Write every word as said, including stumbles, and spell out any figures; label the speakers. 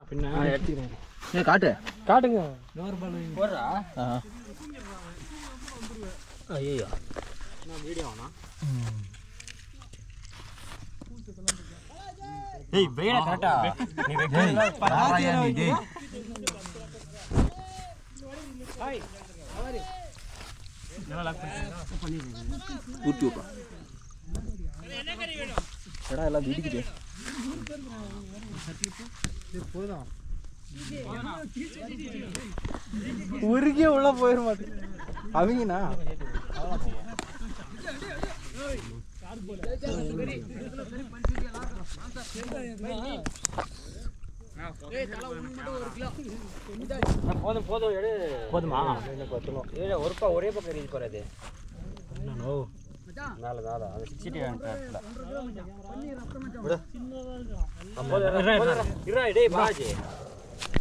Speaker 1: பின்ன எடுத்துக்கிறேன்.
Speaker 2: ஏ காட்டு
Speaker 1: காட்டுங்க.
Speaker 3: போடுறா.
Speaker 2: ஐயோ
Speaker 1: நான் வீடியோ ஆனா.
Speaker 3: ஏய் வெயில கரெக்ட்டா. நீ வெயில
Speaker 2: பாத்தியா நீ டேய்.
Speaker 1: ஹாய். ஹவாரி.
Speaker 3: நல்லா லாக் பண்ணிடுங்க.
Speaker 2: ஊட்டி விட்றா.
Speaker 1: என்ன கறி வேணும்?
Speaker 2: எடா எல்லாம் இடிக்குது.
Speaker 1: இது போதும். உருகிய உள்ள போயிர மாட்டேன். அவங்கனா
Speaker 3: போதும் போதும் எடு. போதுமா? ஏய் ஒருப்பா ஒரே பக்கம் ரீச் போறது.
Speaker 1: என்னோ
Speaker 3: மேல மேல அது சிட்டி வேண்டல.
Speaker 2: விடு.
Speaker 3: இருடா டேய் பாஜி.